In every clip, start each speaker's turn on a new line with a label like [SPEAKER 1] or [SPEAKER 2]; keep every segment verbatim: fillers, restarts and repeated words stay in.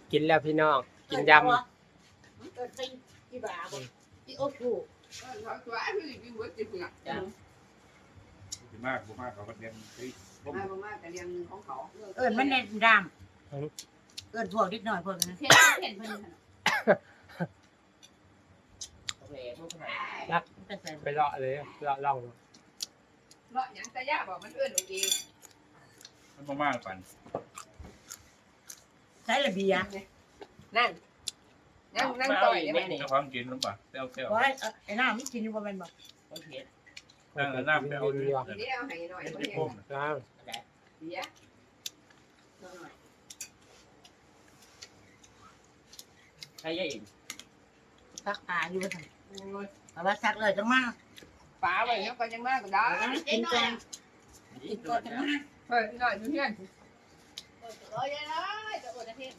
[SPEAKER 1] กินแล้วพี่น้องกินยำ
[SPEAKER 2] เกิดเป็นกี่บาทกี่โอ้โห
[SPEAKER 3] เขาตัวไอ้พี่กินเบิร์ดจิ๋วน่ะ
[SPEAKER 2] จ้ะ
[SPEAKER 4] ดีมากดีมากเขาก็เรียนเฮ้ยร่ม
[SPEAKER 3] มาบ่มากแต่เรียนของเขา
[SPEAKER 2] เอิญมันในดำเอิญพวกนิดหน่อยพวกนั้น
[SPEAKER 3] เห็นเห็นเพิ่น
[SPEAKER 2] โอเคพวกไหน
[SPEAKER 1] รักไปเลาะเลยเลาะล่อง
[SPEAKER 3] เลาะหยังตะย่าบอกมันเอื้อนโอเค
[SPEAKER 4] มันมากปัน
[SPEAKER 2] ใช้ระเบียง
[SPEAKER 3] นั่นนั่งนั่งต่อยได้ไหม
[SPEAKER 4] เจ้าความกินหรือเปล่าเต้าเต้า
[SPEAKER 2] ว่าไอ้น้ำมันกินอยู่ประมาณบอก
[SPEAKER 1] โอเค
[SPEAKER 4] นั่งน้ำเต้า
[SPEAKER 1] ดี
[SPEAKER 4] ดี
[SPEAKER 1] ว่ะ
[SPEAKER 3] เดี๋ยวให้หน่อย
[SPEAKER 4] เป็น
[SPEAKER 3] บ่
[SPEAKER 4] ที่
[SPEAKER 3] เห็
[SPEAKER 4] พุ่ม
[SPEAKER 3] น
[SPEAKER 1] น้
[SPEAKER 3] เสีย
[SPEAKER 2] ใช้ยังซักตาอยู่ทั้งแต่ว่าซักเลยจังมาก
[SPEAKER 3] ป๋าไว้แล้วก็ยังมากก็ได้
[SPEAKER 2] กินแกงกินก็จังมาก
[SPEAKER 3] เฮ้ยหน่อยอยู่เฮียน
[SPEAKER 2] โอ้ยเลยจะอดอาทิตย์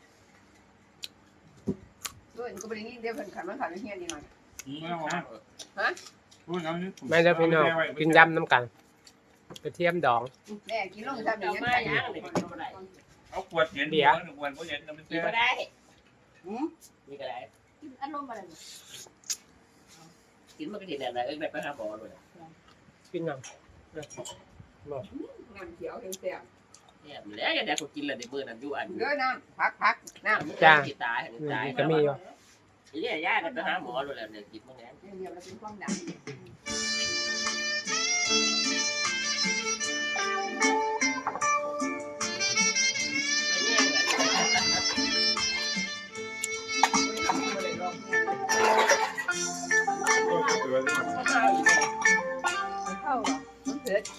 [SPEAKER 3] ด้วยก็บ่ได้ยินเดี๋ยวเพิ่นขันมันขันอยู่เฮียนนี่หน่อย
[SPEAKER 4] ไม่เอาฮะพูดงั้นนี่
[SPEAKER 1] ำไม่ได้พี่น้องกินยำน้ำกันกระเทียมดอง
[SPEAKER 3] แม่กินลงซ้ำอย่างนี้
[SPEAKER 4] เอาขวดเย็นเดี๋ยวขวดเขาเย็นมัน
[SPEAKER 2] กิ
[SPEAKER 4] เต้
[SPEAKER 2] นก็ได้นี่ก็ได้
[SPEAKER 3] อารมณ์อะไร
[SPEAKER 2] กินมันก็ดีแน่เลยเอ้ยแบบไปหาหมอเลย
[SPEAKER 1] กินยัง
[SPEAKER 3] น้ำเขียวเต็ม
[SPEAKER 2] เนี่ยแล้วอย่างเดียวกูกินเลยในมือนั่นอยู่อัน
[SPEAKER 3] ๆเด้อน้ำพักพักน้ำ
[SPEAKER 1] จ้า
[SPEAKER 2] ตายตาย
[SPEAKER 1] ก็มีอยู่
[SPEAKER 2] เนี่ยย่ากันไปหาหมอเลยแล้วเนี่ยกินพวกนี้
[SPEAKER 3] เดี๋ยวเราเป็นความดัน เข้าอ่ะมันเผ็ด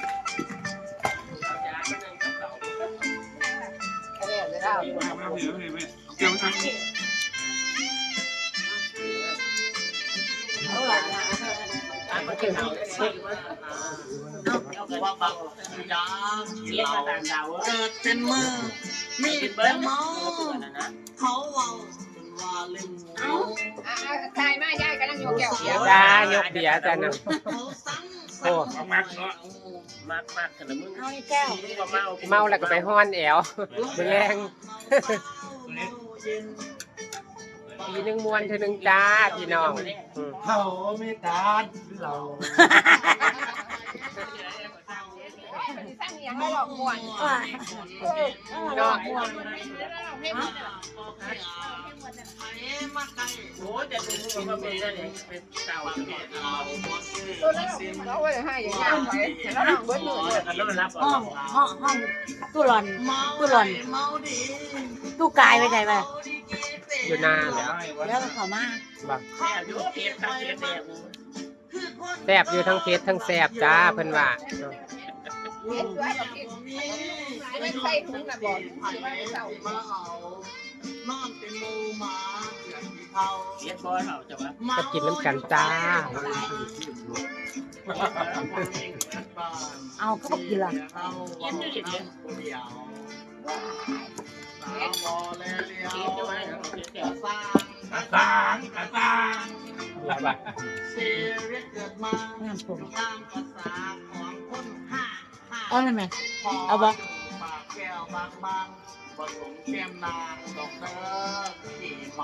[SPEAKER 3] แค่นี้เลยได้
[SPEAKER 4] ไม่ไม่ไม่ไม่เกี่ยวทั้ง
[SPEAKER 3] เอาล่ะ
[SPEAKER 2] เอากินเอาเอาว่าบังจ้าเรียกมาต่างดาว
[SPEAKER 5] เกิดเป็นมือมี
[SPEAKER 2] กิน
[SPEAKER 5] ด
[SPEAKER 2] เบิ้
[SPEAKER 5] แต่
[SPEAKER 2] ล
[SPEAKER 5] เมา
[SPEAKER 2] นะ
[SPEAKER 5] เขาเว้าเป็นว่าเล่นเอา
[SPEAKER 3] อ่าทายมายายกำลังโยกแก้วเดียว
[SPEAKER 1] จ้ายกเบียร์จ้านะ
[SPEAKER 5] เขาสั่ง
[SPEAKER 1] โอ้
[SPEAKER 4] เอามัดเนาะ
[SPEAKER 2] มากมากกันนะมึง
[SPEAKER 3] เอาแก้ว
[SPEAKER 2] ก็เมา
[SPEAKER 1] เมาแล้วก็ไปห้อนแอวแรง
[SPEAKER 5] เย็น
[SPEAKER 1] ทีนึงมวนทีนึงจ้าพี่น้องอืม
[SPEAKER 5] เขาไม่ตานเรา
[SPEAKER 3] สร้างอย่างไรหรอกม่วน
[SPEAKER 1] เนาะ
[SPEAKER 2] โอ้จะดูมันเป็นอะไรเป็นเต่าเนี่ย
[SPEAKER 3] ตัวนั้นเราไว้ให้อย่างนี้ไปแล้วนั่งเบิ้ลมือเลย
[SPEAKER 2] แล้วมันรับ
[SPEAKER 6] ห้องห้องห้องตู้หลอน
[SPEAKER 5] เมา
[SPEAKER 6] ตู้หลอน
[SPEAKER 5] เมาดี
[SPEAKER 6] ตู้กายไปไหนไป
[SPEAKER 1] อยู่หน้าแล้ว
[SPEAKER 6] แล้วก็เขามา
[SPEAKER 1] บัง
[SPEAKER 2] แค่ดูเพียรทำเพียรเนี่ย
[SPEAKER 1] แซบอยู่ทั้งเพชรทั้งแซบจ้าเพิ่นว่า
[SPEAKER 3] เห็นด้วยกับพี่ไม่ใส่ถุงนะบอกถือว่าเศร้า
[SPEAKER 5] มาเอานอนเป็นหมูหมาเกือบที่เขา
[SPEAKER 2] เพียรบอยเขาจะว่า
[SPEAKER 1] ก็กินน้ำกันจ้า
[SPEAKER 6] เอาก็บอกกินละ
[SPEAKER 2] เพียรอยู่อย่างนี้
[SPEAKER 5] เดียวสาวบอแลเลียว
[SPEAKER 2] เพียรด้วยเพียรเดียว
[SPEAKER 5] สร้าง
[SPEAKER 4] ตาตางตาตาง
[SPEAKER 5] เสียเรียกเกิดมา
[SPEAKER 6] น้ำผม
[SPEAKER 5] ตามภาษาของคนห้าห้า
[SPEAKER 6] เอาเลยไหม
[SPEAKER 5] เอา
[SPEAKER 6] เอาบ่
[SPEAKER 5] ปากแก้วบางบางผสมแก้มนางดอกเตอร์ที่